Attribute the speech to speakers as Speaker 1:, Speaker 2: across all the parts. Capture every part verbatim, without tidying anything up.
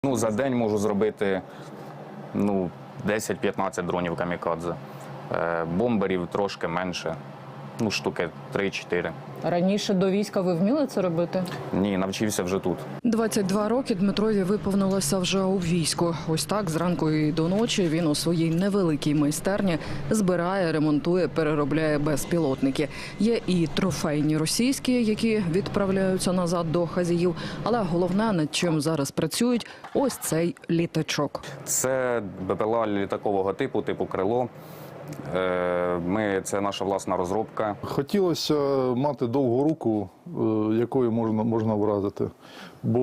Speaker 1: Ну, за день можу зробити ну, десять-п'ятнадцять дронів камікадзе. Е, бомберів трошки менше, ну, штуки три-чотири.
Speaker 2: Раніше до війська ви вміли це робити?
Speaker 1: Ні, навчився вже тут.
Speaker 3: двадцять два роки Дмитрові виповнилося вже у війську. Ось так зранку і до ночі він у своїй невеликій майстерні збирає, ремонтує, переробляє безпілотники. Є і трофейні російські, які відправляються назад до хазіїв. Але головне, над чим зараз працюють, ось цей літачок.
Speaker 1: Це БПЛА літакового типу, типу крило. Ми, це наша власна розробка.
Speaker 4: Хотілося мати довгу руку, якою можна, можна вразити, бо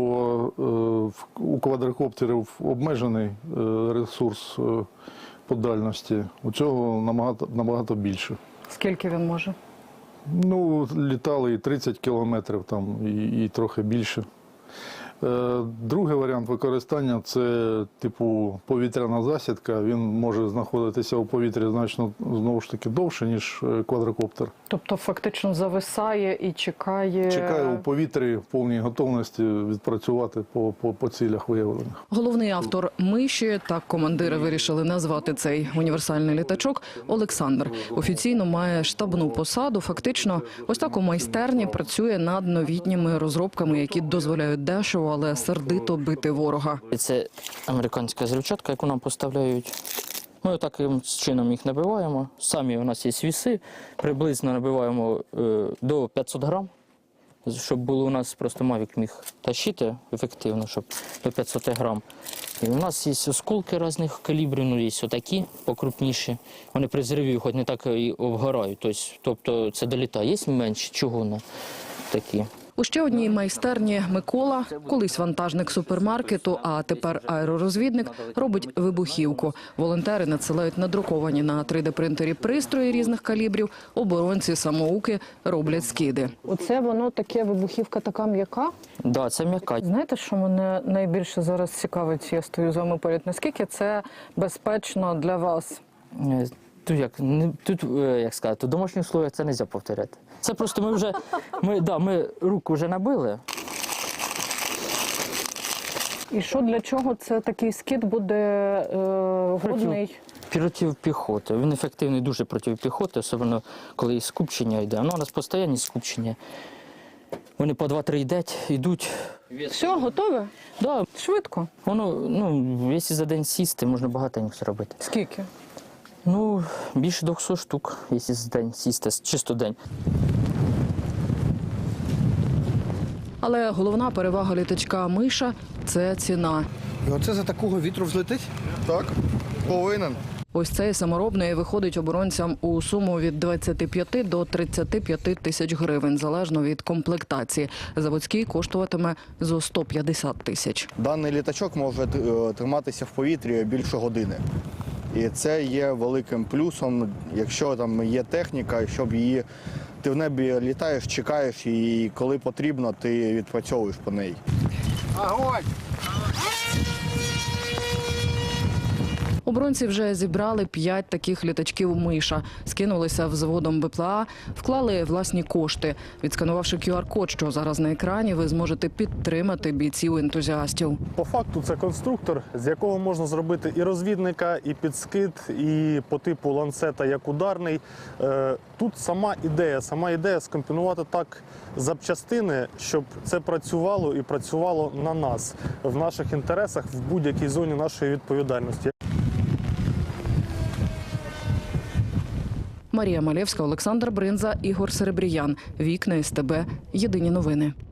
Speaker 4: у квадрокоптерів обмежений ресурс по дальності, у цього набагато, набагато більше.
Speaker 2: Скільки він може?
Speaker 4: Ну, літали і тридцять кілометрів, там, і, і трохи більше. Другий варіант використання – це типу повітряна засідка. Він може знаходитися у повітрі значно, знову ж таки, довше, ніж квадрокоптер.
Speaker 2: Тобто фактично зависає і чекає…
Speaker 4: Чекає у повітрі в повній готовності відпрацювати по, по, по цілях виявлених.
Speaker 3: Головний автор «Миші», так командири вирішили назвати цей універсальний літачок, Олександр. Офіційно має штабну посаду. Фактично, ось так у майстерні працює над новітніми розробками, які дозволяють дешево, але сердито бити ворога.
Speaker 5: Це американська взривчатка, яку нам поставляють. Ми таким чином їх набиваємо. Самі у нас є віси, приблизно набиваємо е, до п'ятсот грам, щоб було у нас просто Мавік міг тащити ефективно, щоб до п'ятсот грам. І у нас є осколки різних калібрів, ну є отакі, покрупніші. Вони при взриві хоч не так і обгорають, тобто, тобто це долітає. Є менші чугунні такі.
Speaker 3: У ще одній майстерні Микола, колись вантажник супермаркету, а тепер аеророзвідник, робить вибухівку. Волонтери надсилають надруковані на три де принтері пристрої різних калібрів, оборонці-самоуки роблять скиди.
Speaker 2: Оце воно таке, вибухівка така м'яка?
Speaker 5: Так, да, це м'яка.
Speaker 2: Знаєте, що мене найбільше зараз цікавить, я стою з вами поряд, наскільки це безпечно для вас?
Speaker 5: Тут, як, тут, як сказати, у домашніх условиях це не можна повторяти. Це просто ми вже, ми, да, ми руку вже набили.
Speaker 2: І що, для чого це такий скид буде е, годний?
Speaker 5: Проти піхоти. Він ефективний дуже проти піхоти, особливо коли скупчення йде. Ну, у нас постійні скупчення. Вони по два-три йдуть, йдуть.
Speaker 2: Все, готове?
Speaker 5: Да.
Speaker 2: Швидко?
Speaker 5: Воно, ну, якщо за день сісти, можна багато зробити.
Speaker 2: Скільки?
Speaker 5: Ну, більше двохсот штук, якщо за день сісти, чисто день.
Speaker 3: Але головна перевага літачка «Миша» – це ціна.
Speaker 6: І оце за такого вітру взлетить? Так, повинен.
Speaker 3: Ось цей саморобний виходить оборонцям у суму від двадцяти п'яти до тридцяти п'яти тисяч гривень, залежно від комплектації. Заводський коштуватиме зо сто п'ятдесят тисяч.
Speaker 6: Даний літачок може триматися в повітрі більше години. І це є великим плюсом, якщо там є техніка, щоб її ти в небі літаєш, чекаєш, і коли потрібно, ти відпрацьовуєш по неї. Огонь!
Speaker 3: Оборонці вже зібрали п'ять таких літачків «Миша». Скинулися взводом БПЛА, вклали власні кошти. Відсканувавши ку ар код, що зараз на екрані, ви зможете підтримати бійців-ентузіастів.
Speaker 7: По факту це конструктор, з якого можна зробити і розвідника, і підскид, і по типу ланцета як ударний. Тут сама ідея, сама ідея скомпонувати так запчастини, щоб це працювало і працювало на нас, в наших інтересах, в будь-якій зоні нашої відповідальності.
Speaker 3: Марія Малєвська, Олександр Бринза, Ігор Серебріян. Вікна ес те бе. Єдині новини.